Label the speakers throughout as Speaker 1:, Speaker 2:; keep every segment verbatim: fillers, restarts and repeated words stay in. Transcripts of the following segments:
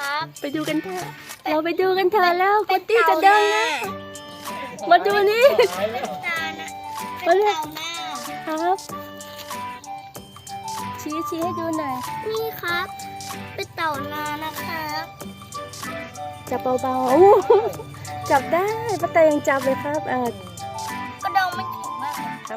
Speaker 1: ครับ
Speaker 2: ไปดูกันเถอะเราไปดูกันเถอะแล้วกุตตี้จะเดินแล้วมาดูนี่
Speaker 1: เป็นตานะเป็นเต่าหน้า
Speaker 2: ครับชี้ชี้ให้ดูหน่อย
Speaker 1: นี่ครับเป็นเต่านานะครับ
Speaker 2: จับเบาๆอู้จับได้ป้าแตยังจับเลยครับอ่าก
Speaker 1: ระดองมันแข็งมาก
Speaker 2: ครับ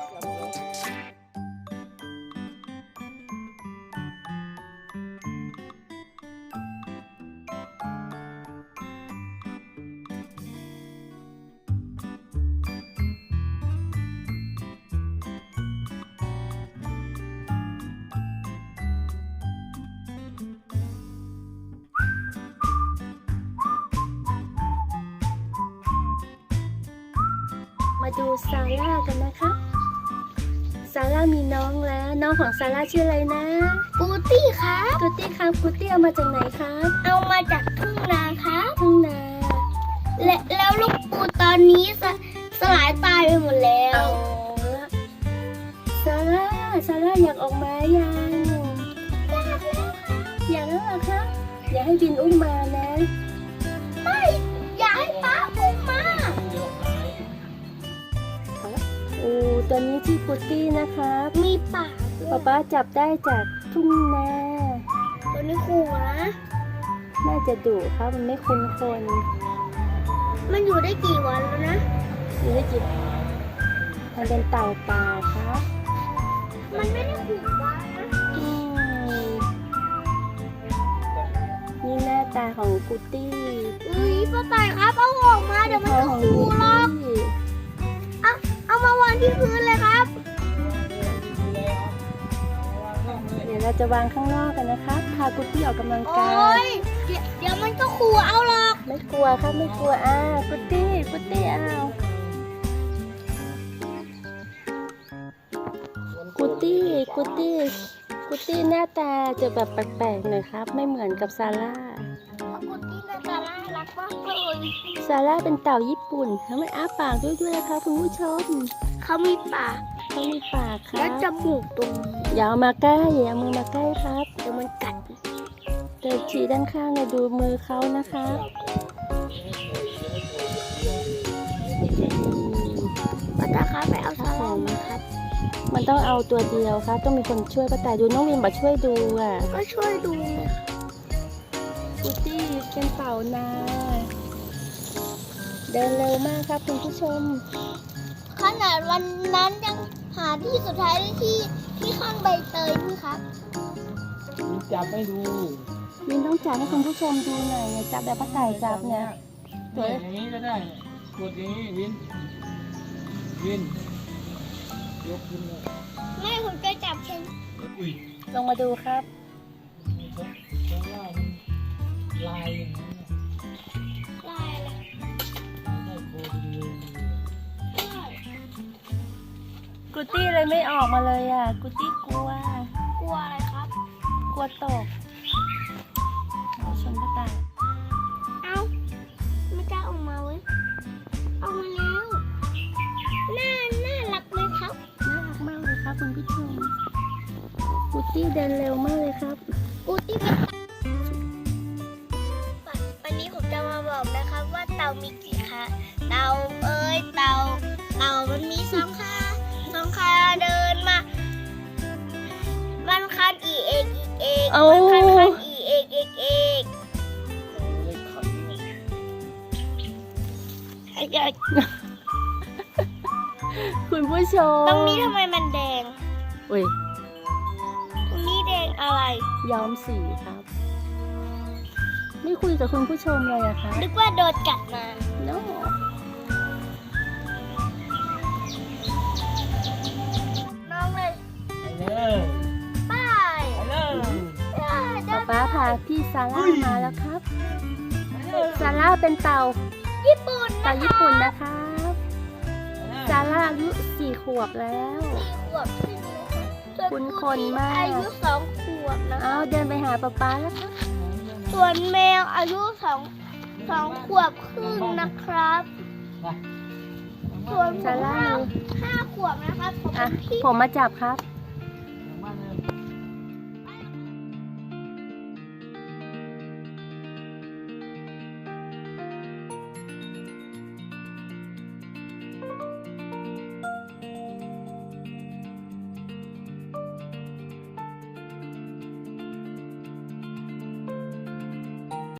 Speaker 2: มาดูซาร่ากันนะคะซาร่ามีน้องแล้วน้องของซาร่าชื่ออะไรนะ
Speaker 1: กูตี้ครับ
Speaker 2: กุตตี้ครับกุตตี้เอามาจากไหนครับ
Speaker 1: เอามาจากทุ่งนาครับ
Speaker 2: ทุ่งนา
Speaker 1: และแล้วลูกปูตอนนี้สสลายตายไปหมดแล้ว
Speaker 2: เอาละซาร่าซาร่าอยากออกมายังอยากแล้วเหรอคะอย่าให้บินอุ้มมานะ
Speaker 1: ไม่อยากให้ป้าอุ้มมา
Speaker 2: โอ้ตัวนี้ที่กุตตี้นะครับ
Speaker 1: มีปากด้ว
Speaker 2: ป๊าย ป๊าจับได้จากทุ่งนา
Speaker 1: ตัวนี้ขู่นะ
Speaker 2: น่าจะดุครับมันไม่คุ้นคน
Speaker 1: มันอยู่ได้กี่วันแล้วนะ
Speaker 2: นี่ได้จิบมันเป็นเต่าป่าครับ
Speaker 1: มันไม่ได้ขู่ว่านะ
Speaker 2: อืมนี่หน้าตาของกุตตี้
Speaker 1: อุ้ยป้าต่ายครับเอาออกมาเดี๋ยวมันจะขู่หรอกเอาเอามาวางที่พื้นเลยครับ
Speaker 2: เดี๋ยวเราจะวางข้างนอกกันนะครับพากุตตี้ออกกำลัง
Speaker 1: โอ้
Speaker 2: กาย
Speaker 1: ยเดี๋ยวเดี๋ยวมันก็ขู่เอาหรอก
Speaker 2: ไม่กลัวครับไม่กลัวอ้าวกุตตี้กุตตี้อ้าวกุตตี้กุตตี้กุตตี้หน้าตาจะแบบแปลกๆหน่อยครับ ไม่เหมือนกับซาร่า
Speaker 1: กูตี้น่าจะน่ารักมากเลย
Speaker 2: ซาร่าเป็นเต่าญี่ปุ่นเขาไม่อ้าปากด้วยด้วยนะคะคุณผู้ชม
Speaker 1: เขามีปาก
Speaker 2: เขามีปากค
Speaker 1: และ
Speaker 2: รับ
Speaker 1: จมูกตรงนี้
Speaker 2: อย่าเอามาใกล้อย่าเอามือมาใกล้ครับ
Speaker 1: เดี๋ยวมันกัด
Speaker 2: เดี๋ยวชี้ด้านข้างเนี่ยดูมือเขานะคะอืม
Speaker 1: ป้าตาครับไปเอา
Speaker 2: ค
Speaker 1: ส
Speaker 2: รับผ
Speaker 1: ลาม
Speaker 2: ม
Speaker 1: มาครับ
Speaker 2: มันต้องเอาตัวเดียวครับ ต้องมีคนช่วยป้าแต่ดูน้องวินบอกช่วยดูอ่ะ
Speaker 1: ก็ช่วยดูนะ
Speaker 2: กุตตี้เป็นเต่านาเดินเร็วมากครับคุณผู้ชม
Speaker 1: ขนาดวันนั้นยังหาที่สุดท้ายได้ที่ที่ข้างใบเตยนี่ครับ
Speaker 3: จับไม่ดู
Speaker 2: วินต้องจับให้คุณผู้ชมดูหน่อยเนี่ยจับแบบป้าแต่จับเนี่ย
Speaker 3: เนี่ยอย่างนี้ก็ได้กดอย่างนี้วิน วิน ยกขึ้นเลย
Speaker 1: ไม่ผมจะจับเช่น
Speaker 3: อุ้ย
Speaker 2: ลงมาดูครับ
Speaker 3: ข้างล่างมันลายอย่างนี้น
Speaker 1: ลายอะไร
Speaker 3: ได้โคตรดี
Speaker 2: กุตตี้เลยไม่ออกมาเลยอ่ะ กุตตี้กลัว
Speaker 1: กลัวอะไรครับ
Speaker 2: กลัวตกเอาชนป้าแต่
Speaker 1: เอ้าไม่กล้าออกมาเว้ยเอามาแล้วน่าน่ารักไหมครับ
Speaker 2: น่ารักมากเลยครับคุณผู้ชมกุตตี้เดินเร็วมากเลยครับ
Speaker 1: กูที่เป็นวันนี้ผมจะมาบอกนะครับว่าเต่ามีกี่ขาเต่าเอ้ยเต่าเต่ามันมีสองขาสองขาเดินมามันคันอีเอกอีเอก
Speaker 2: เอา
Speaker 1: มันคันคันอีเอกเอกเอก
Speaker 3: เลขขัน
Speaker 1: ไอ้เจ้า
Speaker 2: คุณผู้ชม
Speaker 1: ตรงนี้ทำไมมันแดง
Speaker 2: อุ้ย
Speaker 1: ตรงนี้แดงอะไร
Speaker 2: ย้อมสีครับ ไม่คุยกับคุณผู้ชมเลยอะคะ
Speaker 1: นึกว่าโดนกัดมา
Speaker 2: โน้
Speaker 1: น้องเลย
Speaker 3: ไปเลย
Speaker 1: ป้าย
Speaker 3: ไปเลย
Speaker 2: ป๊าป๊าพาพี่ซาร่ามาแล้วครับ ซาร่าเป็นเต่า
Speaker 1: ญี่ปุ่น
Speaker 2: เต่า
Speaker 1: นะ
Speaker 2: ญี่ปุ่นนะครับ ซาร่าอายุสี่ขวบแล้ว
Speaker 1: สี่ขวบขึ้นนะคะส่วน
Speaker 2: คุณคนมาก
Speaker 1: อายุสองขวบนะ
Speaker 2: เอาเดินไปหาป๊าป๊าแล้วครับ
Speaker 1: ส่วนแมวอายุสองสองขวบครึ่งนะครับ
Speaker 3: ไป
Speaker 1: ส่วน
Speaker 2: ซาร่า
Speaker 1: ห้าห้าขวบนะครับผม
Speaker 2: อ่ะ
Speaker 1: เป็นพี่
Speaker 2: ผมมาจับครับ